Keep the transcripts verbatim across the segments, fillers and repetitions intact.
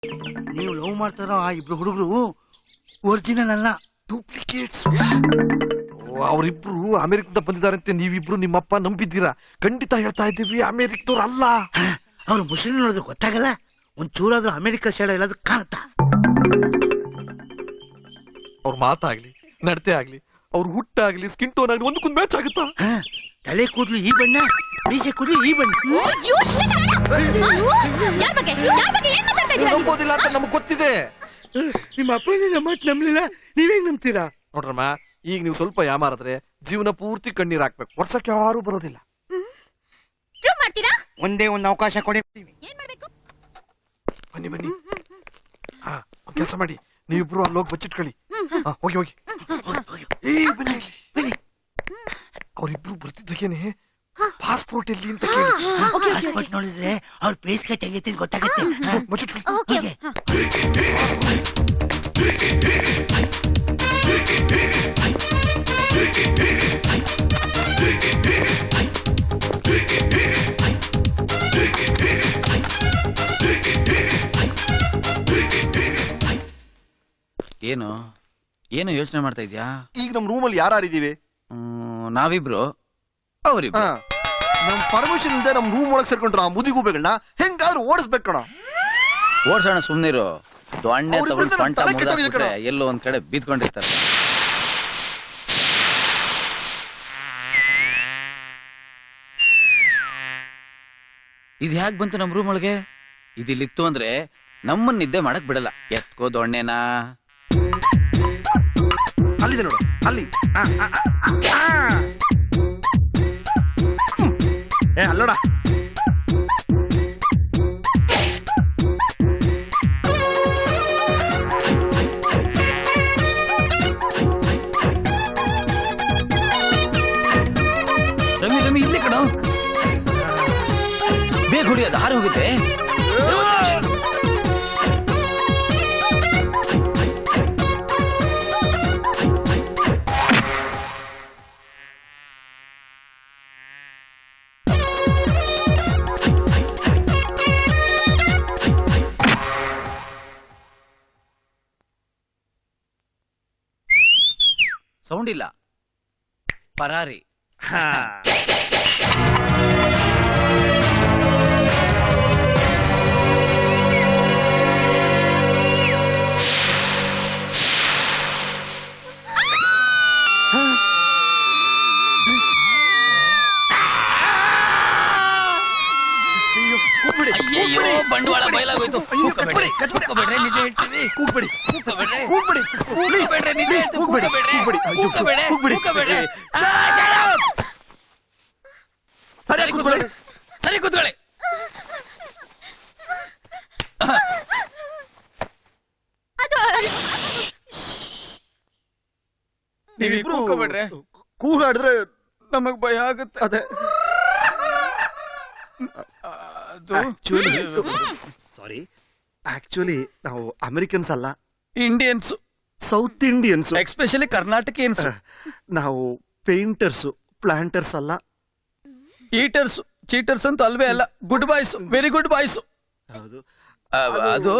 ನೀವು ಲವ್ ಮಾಡ್ತಾರೋ ಆ ಇಬ್ರು ಹುಡುಗರು ಒರಿಜಿನಲ್ ಅಲ್ಲ, ಡೂಪ್ಲಿಕೇಟ್ಸ್. ಅವರಿಬ್ರು ಅಮೆರಿಕದಿಂದ ಬಂದಿದ್ದಾರಂತೆ. ನೀವಿಬ್ರು ನಿಮ್ಮಪ್ಪ ನಂಬಿದ್ದೀರಾ? ಖಂಡಿತ ಹೇಳ್ತಾ ಇದ್ದೀವಿ, ಅಮೆರಿಕದವ್ರು ಅಲ್ಲ. ಅವ್ರು ಮುಸ್ಲಿಂ ನೋಡೋದು ಗೊತ್ತಾಗಲ್ಲ, ಒಂದ್ ಚೂರಾದ್ರೂ ಅಮೆರಿಕ ಸೈಡ್ ಎಲ್ಲಾದ್ರೂ ಕಾಣುತ್ತಾ? ಅವ್ರ ಮಾತಾಗ್ಲಿ, ನಡತೆ ಆಗ್ಲಿ, ಅವ್ರ ಹುಟ್ಟಾಗ್ಲಿ, ಸ್ಕಿನ್ ಟೋನ್ ಆಗ್ಲಿ ಒಂದಕ್ಕೊಂದು ಮ್ಯಾಚ್ ಆಗುತ್ತಾ? ತಲೆ ಕೂದಲು ಈ ಬಣ್ಣ, ಮೀಸೆ ಕೂದಲು ಈ ಬಣ್ಣ. ನಂಬೋದಿಲ್ಲ ಅಂತ ನಮಗ್ ಗೊತ್ತಿದೆ. ನಿಮ್ಮ ಅಪ್ಪ ನಮ್ಮ ಮಾತು ನಂಬಲಿಲ್ಲ, ನೀವೇಗ್ ನಂಬ್ತೀರಾ? ನೋಡ್ರಮ್ಮ, ಈಗ ನೀವು ಸ್ವಲ್ಪ ಯಾಮಾರಿದ್ರೆ ಜೀವನ ಪೂರ್ತಿ ಕಣ್ಣೀರ್ ಹಾಕ್ಬೇಕು. ವರ್ಷಕ್ಕೆ ಯಾರು ಬರೋದಿಲ್ಲ. ಒಂದೇ ಒಂದು ಅವಕಾಶ ಕೊಡಿ. ಬನ್ನಿ ಬನ್ನಿ. ಹಾ, ಒಂದ್ ಕೆಲಸ ಮಾಡಿ, ನೀವಿಬ್ರು ಅಲ್ಲಿ ಹೋಗಿ ಬಚ್ಚಿಟ್ಕೊಳ್ಳಿ. ಹೋಗಿ ಹೋಗಿ. ಏ ಬನ್ನಿ ಬನ್ನಿ. ಅವ್ರಿಬ್ರು ಬರ್ತಿದ್ದಾಗೇನೆ ಪಾಸ್ಪೋರ್ಟ್ ಎಲ್ಲಿ ಅಂತ ಕೇಳಿ. ಪಾಸ್ಪೋರ್ಟ್ ನೋಡಿದ್ರೆ ಅವ್ರ ಫೇಸ್ ಕಟ್ ಆಗೈತೆ ಗೊತ್ತಾಗತ್ತೆ. ಬಚ್ಚಿಟ್ಕೊಳ್ಳಿ. ಏನು ಏನು ಯೋಚನೆ ಮಾಡ್ತಾ ಇದ್ಯಾ? ಈಗ ನಮ್ ರೂಮಲ್ಲಿ ಯಾರಿದೀವಿ? ನಾವಿಬ್ರು, ಅವ್ರಿಬ್ರು. ನಮ್ ಪರ್ಮಿಷನ್ ಇಲ್ಲದೆ ನಮ್ ರೂಮ್ ಒಳಗ್ ಸೇರ್ಕೊಂಡ್ರ ಆ ಮುದಿಗೂಬೆಗಳನ್ನ ಹೆಂಗಾದ್ರೂ ಓಡಿಸ್ಬೇಕು ಕಣ. ಓಡ್ಸೋಣ, ಸುಮ್ನಿರು. ದೊಣ್ಣೆ ತಗೊಂಡು ಸೊಂಟ ಮುರಿದಾಕ್ಬಿಟ್ರೆ ಎಲ್ಲೋ ಒಂದ್ ಕಡೆ ಬಿದ್ಕೊಂಡಿರ್ತಾರೆ. ಇದು ಹ್ಯಾಕ್ ಬಂತು ನಮ್ ರೂಮ್ ಒಳಗೆ? ಇದಿಲ್ಲಿತ್ತು ಅಂದ್ರೆ ನಮ್ಮನ್ನ ನಿದ್ದೆ ಮಾಡಕ್ ಬಿಡಲ್ಲ. ಎತ್ಕೋ ದೊಣ್ಣೆನಾ. ಅಲ್ಲಿದೆ ನೋಡು, ಅಲ್ಲಿ. ಏ ಅಲ್ಲೋಡ. ರಮಿ ರಮಿ ಇಲ್ಲಿ ಕಣ, ಬೇಗ ಹೊಡಿಯೋದು, ಹಾರಿ ಹೋಗುತ್ತೆ. ಸೌಂಡ್ ಇಲ್ಲ, ಪರಾರಿ. ಅಯ್ಯೋ, ಬಂಡವಾಳ ಬಯಲಾಗೋಯ್ತು. ಕೂಗ್ಬೇಡ್ರಿ, ನಿಜ ಹೇಳ್ತೀವಿ. ಕೂಗ್ಬೇಡಿ, ಕೂಗ್ಬೇಡ್ರಿ, ಕೂಗ್ಬೇಡಿ, ಕೂಗ್ಬೇಡ್ರಿ, ನಿಜ ಹೇಳ್ತೀವಿ. ಕೂಗ್ಬೇಡ್ರಿ, ಕೂಗ್ಬೇಡ್ರಿ, ಕೂಗ್ಬೇಡ್ರಿ. ಸರಿ ಕೂತ್ಕೊಳ್ಳಿ, ಸರಿ ಕೂತ್ಕೊಳ್ಳಿ. ನೀವಿಬ್ರು ಕೂಗ್ಬೇಡ್ರಿ. ಕೂಗಾಡಿದ್ರೆ ನಮಗ್ ಭಯ ಆಗುತ್ತೆ. ಅದೇ ಸಾರಿ, ಆಕ್ಚುಲಿ ನಾವು ಅಮೆರಿಕನ್ಸ್ ಅಲ್ಲ, Indians, South Indians, especially Karnatakians. ನಾವು ಪೇಂಟರ್ಸ್, ಪ್ಲಾಂಟರ್ಸ್ ಅಲ್ಲ. ಈಟರ್ಸ್, ಚೀಟರ್ಸ್ ಅಂತ ಅಲ್ವೇ ಅಲ್ಲ. Good boys, very good boys. ಅದು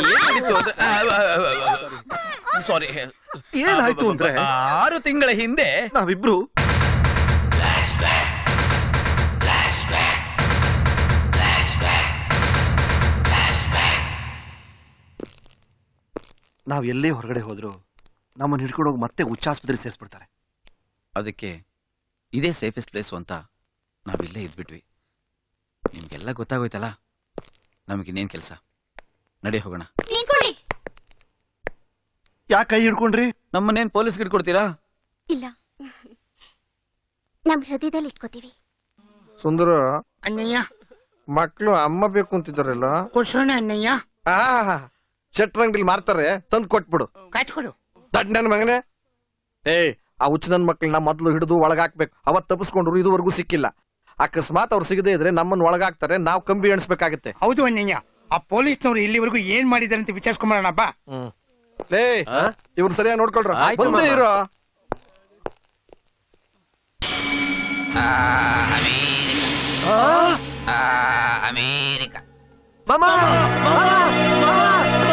ಸಾರಿ, ಏನಾಯ್ತು ಅಂದ್ರೆ ಆರು ತಿಂಗಳ ಹಿಂದೆ ನಾವಿಬ್ರು ನಾವ್ ಎಲ್ಲೇ ಹೊರಗಡೆ ಹೋದ್ರು ನಮ್ಮನ್ನ ಹಿಡ್ಕೊಂಡು ಹೋಗಿ ಮತ್ತೆ ಹುಚ್ಚಾಸ್ಪತ್ರೆ ಸೇರಿಸ್ಬಿಡ್ತಾರೆ. ಅದಕ್ಕೆ ಇದೇ ಸೇಫೆಸ್ಟ್ ಪ್ಲೇಸ್ ಅಂತ ನಾವಿಲ್ಲೇ ಇದ್ಬಿಟ್ವಿ. ನಿಮ್ಗೆಲ್ಲ ಗೊತ್ತಾಗೋಯ್ತಲ್ಲ, ನಮಗಿನ್ನೇನ್ ಕೆಲಸ? ನಡಿ ಹೋಗೋಣ. ಯಾಕೆ ಕೈ ಹಿಡ್ಕೊಂಡ್ರಿ? ನಮ್ಮನ್ನೇನ್ ಪೊಲೀಸ್ಗೆ ಹಿಡ್ಕೊಡ್ತೀರಾ? ಇಲ್ಲ, ನಮ್ ಹೃದಯದಲ್ಲಿ ಇಟ್ಕೋತೀವಿ. ಸುಂದರ ಅಣ್ಣಯ್ಯ, ಮಕ್ಕಳು ಅಮ್ಮ ಬೇಕು ಅಂತಿದ್ದಾರಲ್ಲ, ಕೊಡ್ಸೋಣ ಅಣ್ಣಯ್ಯ. ಆ ಚಟ್ರಂಗಡಿಲಿ ಮಾರ್ತಾರೆ, ತಂದು ಕೊಟ್ಬಿಡು. ಕಾಯ್ಕೊಡು. ದಡ್ ನನ್ ಮಗನೇ. ಏ, ಆ ಹುಚ್ಚ ನನ್ ಮಕ್ಕಳನ್ನ ಮೊದ್ಲು ಹಿಡಿದು ಒಳಗಾಕ್ಬೇಕು. ಅವತ್ ತಪ್ಪಿಸ್ಕೊಂಡ್ರು, ಇದುವರೆಗೂ ಸಿಕ್ಕಿಲ್ಲ. ಅಕಸ್ಮಾತ್ ಅವ್ರು ಸಿಗದೆ ಇದ್ರೆ ನಮ್ಮನ್ನ ಒಳಗಾಕ್ತಾರೆ, ನಾವು ಕಂಬಿ ಎಣಿಸ್ಬೇಕಾಗತ್ತೆ. ಹೌದು ಅಣ್ಣಯ್ಯ, ಆ ಪೊಲೀಸ್ನವ್ರು ಇಲ್ಲಿವರೆಗೂ ಏನ್ ಮಾಡಿದಾರೆ ಅಂತ ವಿಚಾರಿಸ್ಕೊಂಬರೋಣ ಬಾ. ಹ್ಮ್. ಲೇ, ಇವ್ರು ಸರಿಯಾಗಿ ನೋಡ್ಕೊಳ್ರ. ಬಂದೇ ಇರೋ. ಅಮೇರಿಕಾ. ಮಾಮಾ, ಮಾಮಾ, ಮಾಮಾ.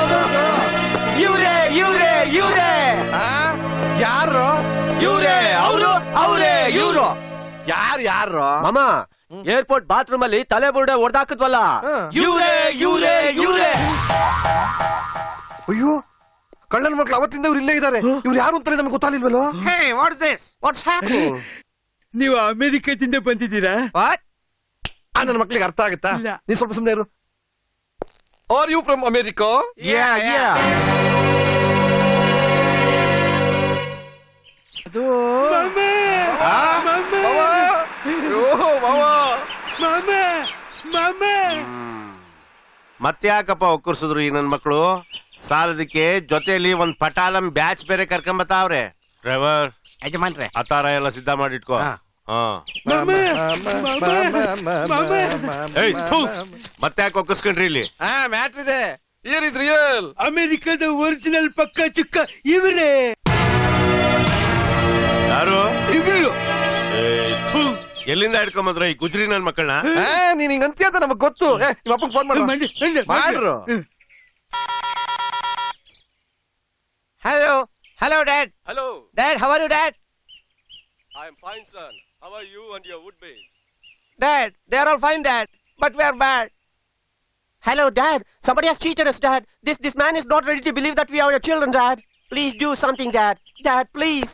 ಯಾರು ಇವ್ರೇ ಅವರು ಅವರೇ ಇವ್ರು ಯಾರು ಯಾರು ಮಾಮ ಏರ್ಪೋರ್ಟ್ ಬಾತ್ರೂಮ್ ಅಲ್ಲಿ ತಲೆ ಬುರುಡೆ ಹೊಡೆದಾಕದ್ವಲ್ಲ ಇವ್ರೇ ಇವ್ರೇ ಇವ್ರೇ ಅಯ್ಯೋ ಕಳ್ಳನ ಮಕ್ಳು ಅವತ್ತಿಂದ ಇವ್ರು ಇಲ್ಲೇ ಇದ್ದಾರೆ ಇವ್ರು ಯಾರು ಅಂತಾನೆ ನಮ್ಗೆ ಗೊತ್ತಾಗ್ಲಿಲ್ವല്ലോ ವಾಟ್ಸ್ ದಿಸ್ ವಾಟ್ಸ್ ಹ್ಯಾಪನಿಂಗ್ ನೀವು ಅಮೆರಿಕದಿಂದ ಬಂದಿದ್ದೀರಾ? ವಾಟ್ ಆ ನನ್ನ ಮಕ್ಳಿಗೆ ಅರ್ಥ ಆಗುತ್ತಾ ಇಲ್ಲ. ನೀ ಸ್ವಲ್ಪ ಸುಮ್ಮನೆ ಇರು. Are you from America? Yeah yeah ಅದು ಮಾಮಾ, ಮಾಮಾ, ಮಾಮಾ, ಮಾಮಾ. ಮತ್ತ್ಯಾಕಪ್ಪ ಒಕ್ಕರ್ಸಿದ್ರು ಈ ನನ್ ಮಕ್ಕಳು ಸಾಲದಕ್ಕೆ ಜೊತೆಲಿ ಒಂದ್ ಪಟಾಲಂ ಬ್ಯಾಚ್ ಬೇರೆ ಕರ್ಕೊಂಬತ್ತಾವ್ರೆ. ಡ್ರೈವರ್ ಯಜಮಾನ್ರೆ ಅತಾರ ಎಲ್ಲ ಸಿದ್ಧ ಮಾಡಿಟ್ಕೋ. ಹಾ ಮಾಮಾ, ಮಾಮಾ, ಏಯ್ ಥು, ಮತ್ತ್ಯಾಕೆ ಒಕ್ಕರ್ಸ್ಕೊಂಡ್ರಿ ಇಲ್ಲಿ? ಹಾ ಮ್ಯಾಟ್ರ್ ಇದೆ. Here is real. ಅಮೆರಿಕದ ಒರಿಜಿನಲ್ ಪಕ್ಕ ಚುಕ್ಕ ಇವರೇ. ಯಾರು ಇಬ್ರು. ಏಯ್, ಥು, ಎಲ್ಲಿಂದ ಹಿಡ್ಕೊಂಬಂದ್ರ ಈ ಗುಜ್ರಿ ನನ್ ಮಕ್ಕಳನ್ನ? ನೀನ್ ಹಿಂಗ್ ಅಂತೀಯ ಅಂತ ನಮಗ್ ಗೊತ್ತು. ಏ, ನಿಮ್ಮ ಅಪ್ಪಂಗ್ ಫೋನ್ ಮಾಡು. ಮಾಡಿ, ಮಾಡಿ, ಮಾಡ್ರು. Hello hello dad hello, dad how are you dad I am fine son. How are you and your wood base? Dad they are all fine dad but we are bad. Hello, Dad. Somebody has cheated us, Dad. This this man is not ready to believe that we are your children, Dad. Please do something, Dad. Dad, please.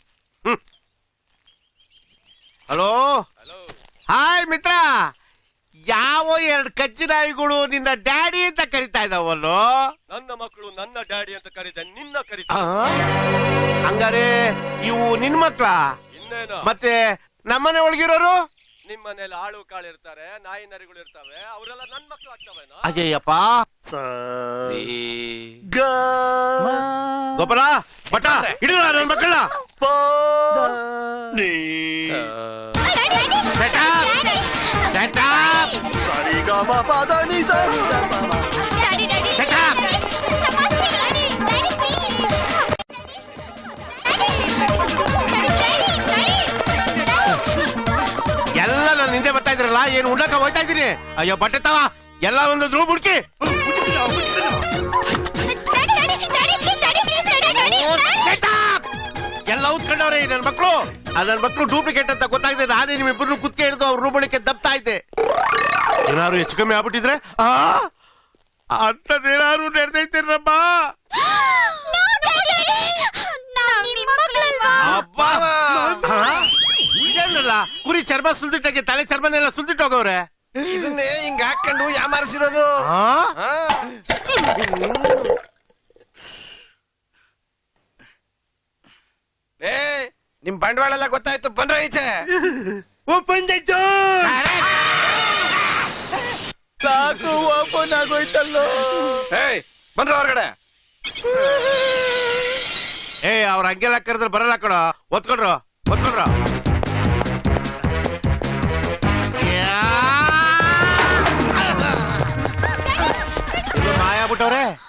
Hello hello, hi ಮಿತ್ರ. ಯಾವ ಎರಡು ಕಚ್ಚಿ ನಾಯಿಗಳು ನಿನ್ನ daddy ಅಂತ ಕರಿತಾ ಇದಾವಲ್ಲೋ? ನನ್ನ ಮಕ್ಕಳು ನನ್ನ ಡ್ಯಾಡಿ ಅಂತ ಕರೀತೆ, ನಿನ್ನ ಆ? ಕರೀತ ಹಂಗಾರೆ ಇವು ನಿನ್ ಮಕ್ಳ? ಇನ್ನೇನು? ಮತ್ತೆ ನಮ್ಮನೆ ಒಳಗಿರೋರು? ನಿಮ್ಮ ಮನೇಲಿ ಆಳು ಕಾಳು ಇರ್ತಾರೆ, ನಾಯಿ ನರಿಗಳು ಇರ್ತವೆ, ಅವರೆಲ್ಲ ನನ್ ಮಕ್ಳು ಆಗ್ತವೇನೋ? ಅಜಯಪ್ಪ ಗೋಪಾಲ ಬಟ ಹಿಡಿದ ನನ್ ಮಕ್ಕಳ. ಎಲ್ಲ ನಾನು ಹಿಂದೆ ಬರ್ತಾ ಇದ್ರಲ್ಲ, ಏನು ಉಣ್ಣಕ ಹೋಯ್ತಾ ಇದ್ದೀನಿ. ಅಯ್ಯೋ ಬಟ್ಟೆ ತವ ಎಲ್ಲ ಒಂದು ರೂಮ್ ಹುಡುಕಿ. ಎಲ್ಲ ಉತ್ಕೊಂಡವ್ರೆ ನನ್ ಮಕ್ಳು. ನನ್ ಮಕ್ಳು ಡೂಪ್ಲಿಕೇಟ್ ಅಂತ ಗೊತ್ತಾಗಿದೆ. ನಾನೇ ನಿಮ್ಮಿಬ್ಬರು ಕುತ್ಕೆ ಹಿಡಿದು ಅವ್ರ ರೂಮ್ ಒಳಕ್ಕೆ ದಬ್ತಾ ಇದ್ದೆ. ಏನಾದ್ರು ಹೆಚ್ಚು ಕಮ್ಮಿ ಆಗ್ಬಿಟ್ಟಿದ್ರೆ ಅಂತದೇನಾದ್ರು ನಡೆದೈತೇನಮ್ಮ? ಅಬ್ಬಾ, ಇದೇನಲ್ಲ ಕುರಿ ಚರ್ಮ ಸುಲ್ದಿಟ್ಟಾಗೆ ತಲೆ ಚರ್ಮನೆಲ್ಲ ಸುಲ್ದಿಟ್ಟೋಗವ್ರೆ. ಇದನ್ನೇ ಹಿಂಗ್ ಹಾಕೊಂಡು ಯಾಮಾರಿಸಿರೋದು. ಏ ನಿಮ್ ಬಂಡವಾಳ ಎಲ್ಲ ಗೊತ್ತಾಯ್ತು, ಬಂದ್ರ ಈಚೆ. Open the door. ಸಾಕು ಓಪನ್ ಆಗೋಯ್ತಲ್ಲೋ. ಏಯ್ ಬಂದ್ರ ಹೊರಗಡೆ. ಏ ಅವ್ರ ಹಂಗೆಲ್ಲ ಕರೆದ್ರೆ ಬರಲ್ಲ ಕಣ. ಒತ್ಕೊಂಡ್ರು ಒತ್ಕೊಂಡ್ರು ಮಾಯ ಬಿಟ್ಟವ್ರೆ.